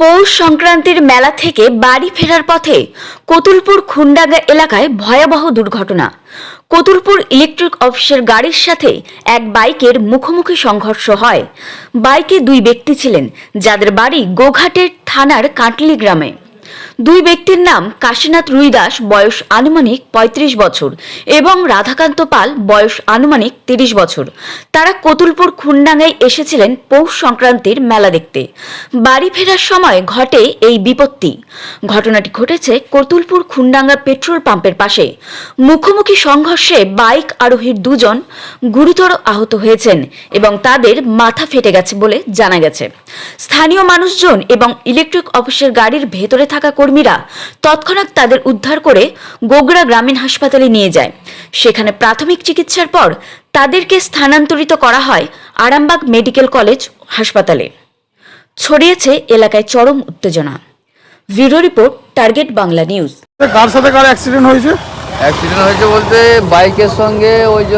পৌষ সংক্রান্তির মেলা থেকে বাড়ি ফেরার পথে কতুলপুর খুন্ডাঙ্গা এলাকায় ভয়াবহ দুর্ঘটনা। কতুলপুর ইলেকট্রিক অফিসের গাড়ির সাথে এক বাইকের মুখোমুখি সংঘর্ষ হয়। বাইকে দুই ব্যক্তি ছিলেন, যাদের বাড়ি গোঘাটের থানার কাটলি গ্রামে। দুই ব্যক্তির নাম কাশীনাথ রুইদাস, বয়স আনুমানিক ৩৫ বছর, এবং রাধাকান্ত পাল, বয়স আনুমানিক ৩০ বছর। তারা কতুলপুর খুন্ডাঙ্গায় এসেছিলেন পৌষ সংক্রান্তির মেলা দেখতে। বাড়ি ফেরার সময় ঘটে এই বিপত্তি। ঘটনাটি ঘটেছে কতুলপুর খুন্ডাঙ্গা পেট্রোল পাম্পের পাশে। মুখোমুখি সংঘর্ষে বাইক আরোহীর দুজন গুরুতর আহত হয়েছেন এবং তাদের মাথা ফেটে গেছে বলে জানা গেছে। স্থানীয় মানুষজন এবং ইলেকট্রিক অফিসের গাড়ির ভেতরে থাকা কর্মীরা তৎক্ষণাৎ তাদের উদ্ধার করে গোগড়া গ্রামীণ হাসপাতালে নিয়ে যায়। সেখানে প্রাথমিক চিকিৎসার পর তাদেরকে স্থানান্তরিত করা হয় আরামবাগ মেডিকেল কলেজ হাসপাতালে। ছড়িয়েছে এলাকায় চরম উত্তেজনা। Bureau report, target Bangla news. Car সাথে কার অ্যাক্সিডেন্ট হয়েছে? অ্যাক্সিডেন্ট হয়েছে বলতে বাইকের সঙ্গে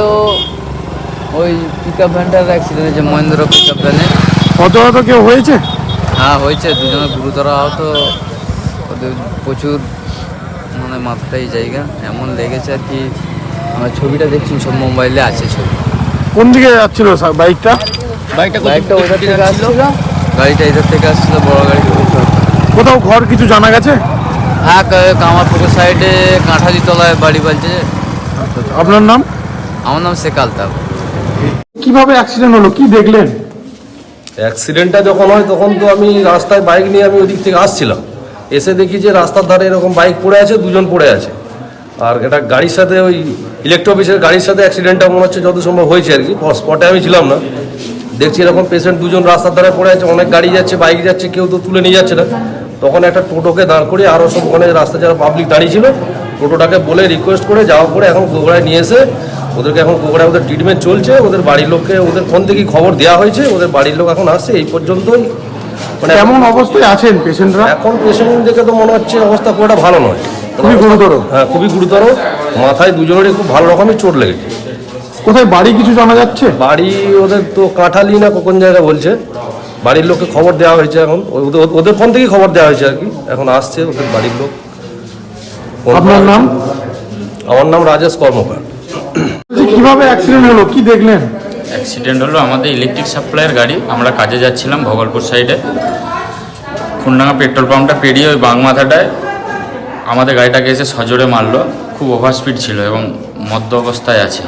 ওই পিকআপ ভ্যানটার অ্যাক্সিডেন্ট হয়েছে, মহেন্দ্র পিকআপ ভ্যানে। হতাহত কেউ হয়েছে? হ্যাঁ হয়েছে, দুজনে গুরুতর আহত। ওদের প্রচুর মাথাটাই জায়গা এমন লেগেছে আর কি। আমরা ছবিটা দেখছি, সব মোবাইলে আছে ছবি। কোন দিকে যাচ্ছিল বাইকটা? বাইকটা ওইধার থেকে আসছিল, গাড়িটা এধার থেকে আসছিল, বড় গাড়ি। কোথাও ঘর কিছু জানা গেছে? হ্যাঁ, কামারপুকুর সাইডে কাঁঠালি তলায় বাড়ি বলছে। আপনার নাম? আমার নাম শেখ আলতাফ। কিভাবে অ্যাক্সিডেন্ট হলো, কি দেখলেন? অ্যাক্সিডেন্টটা যখন হয় তখন তো আমি রাস্তায় বাইক নিয়ে আমি ওদিক থেকে আসছিলাম। এসে দেখি যে রাস্তার ধারে এরকম বাইক পড়ে আছে, দুজন পড়ে আছে। আর এটা গাড়ির সাথে ওই ইলেকট্রিক অফিসের গাড়ির সাথে অ্যাক্সিডেন্টটা মনে হচ্ছে যত সম্ভব হয়েছে আর কি। স্পটে আমি ছিলাম না, দেখছি এরকম পেশেন্ট দুজন রাস্তার ধারে পড়ে আছে। অনেক গাড়ি যাচ্ছে, বাইক যাচ্ছে, কেউ তো তুলে নিয়ে যাচ্ছে না। তখন একটা টোটোকে দাঁড় করিয়ে আরও সব ওখানে রাস্তায় যারা পাবলিক দাঁড়িয়ে ছিল, টোটোটাকে বলে রিকোয়েস্ট করে যাওয়ার পরে এখন গোগড়ায় নিয়ে এসে ওদেরকে এখন গোগড়ায় ওদের ট্রিটমেন্ট চলছে। ওদের বাড়ির লোককে ওদের ফোন থেকেই খবর দেওয়া হয়েছে, ওদের বাড়ির লোক এখন আসছে। এই পর্যন্তই। কেমন অবস্থায় আছেন পেশেন্টরা? এখন পেশেন্ট দেখে তো মনে হচ্ছে অবস্থা পুরোটা ভালো নয়, খুবই গুরুতর। হ্যাঁ, খুবই গুরুতর। মাথায় দুজনেরই খুব ভালো রকমের চোট লেগেছে। কোথায় বাড়ি কিছু জানা যাচ্ছে? বাড়ি ওদের তো কাঁঠালি না কোন জায়গায় বলছে। বাড়ির লোককে খবর দেওয়া হয়েছে, এখন ওদের ফোন থেকেই খবর দেওয়া হয়েছে আর কি। এখন আসছে ওদের বাড়ির লোক। আপনার নাম? আমার নাম রাজেশ কর্মকার। কিভাবে অ্যাক্সিডেন্ট হলো, কি দেখলেন? অ্যাক্সিডেন্ট হলো আমাদের ইলেকট্রিক সাপ্লাইয়ের গাড়ি। আমরা কাজে যাচ্ছিলাম ভগলপুর সাইডে। খুন্ডাঙ্গা পেট্রোল পাম্পটা পেরিয়ে ওই বাগমাথাটায় আমাদের গাড়িটাকে এসে সজোরে মারলো। খুব ওভার স্পিড ছিল এবং মদ্য অবস্থায় আছে।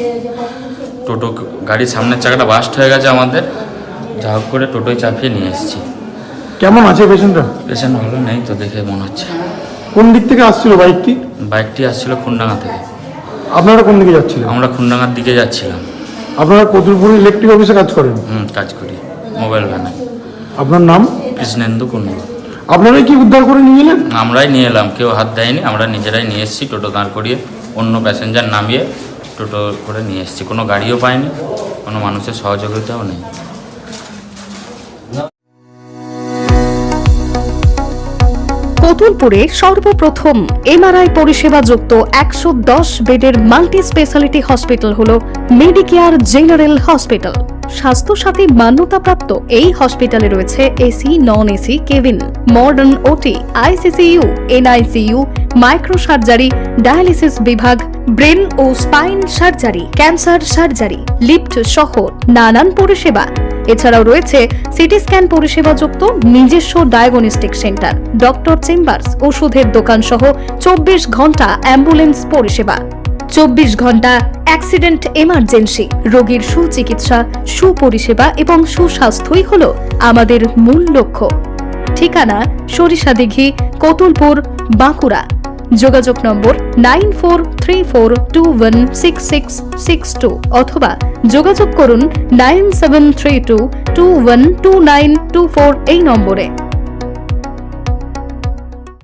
টোটো গাড়ির সামনের চাকাটা বাস্ট হয়ে গেছে আমাদের। যা হোক করে টোটোয় চাপিয়ে নিয়ে এসেছি। কেমন আছে পেশেন্টরা? পেশেন্ট ভালো নেই তো দেখে মনে হচ্ছে। কোন দিক থেকে আসছিল বাইকটি? বাইকটি আসছিল খুন্ডাঙ্গা থেকে। আপনারা কোন দিকে যাচ্ছিলেন? আমরা খুন্ডাঙ্গার দিকে যাচ্ছিলাম। আপনারা কতুলপুর ইলেকট্রিক অফিসে কাজ করেন? কাজ করি মোবাইল ভ্যানে। আপনার নাম? কৃষ্ণেন্দু কুন্ডু। আপনারাই কি উদ্ধার করে নিয়ে এলেন? আমরাই নিয়ে এলাম, কেউ হাত দেয়নি। আমরা নিজেরাই নিয়ে এসেছি, টোটো দাঁড় করিয়ে অন্য প্যাসেঞ্জার নামিয়ে টোটো করে নিয়ে এসেছি। কোনো গাড়িও পাইনি, কোনো মানুষের সহযোগিতাও নেই। কতুলপুরে সর্বপ্রথম এমআরআই পরিষেবা যুক্ত 110 বেডের মাল্টি স্পেশালিটি হসপিটাল হল মেডিকেয়ার জেনারেল হসপিটাল। স্বাস্থ্যসাথী মান্যতাপ্রাপ্ত এই হসপিটালে রয়েছে AC, non AC cabin, modern OT, ICCU, NICU, micro surgery, dialysis বিভাগ, ব্রেন ও spine surgery, cancer surgery, lift সহ নানান পরিষেবা। এছাড়াও রয়েছে সিটি স্ক্যান পরিষেবা যুক্ত নিজস্ব ডায়াগনস্টিক সেন্টার, ডক্টর চেম্বার্স, ওষুধের দোকান সহ 24 ঘন্টা অ্যাম্বুলেন্স পরিষেবা। 24 ঘন্টা অ্যাক্সিডেন্ট এমার্জেন্সি। রোগীর সুচিকিৎসা, সুপরিষেবা এবং সুস্বাস্থ্যই হল আমাদের মূল লক্ষ্য। ঠিকানা সরিষাদিঘি, কতুলপুর, বাঁকুড়া। যোগাযোগ নম্বর 9434216662 অথবা যোগাযোগ করুন 9732212924 এই নম্বরে।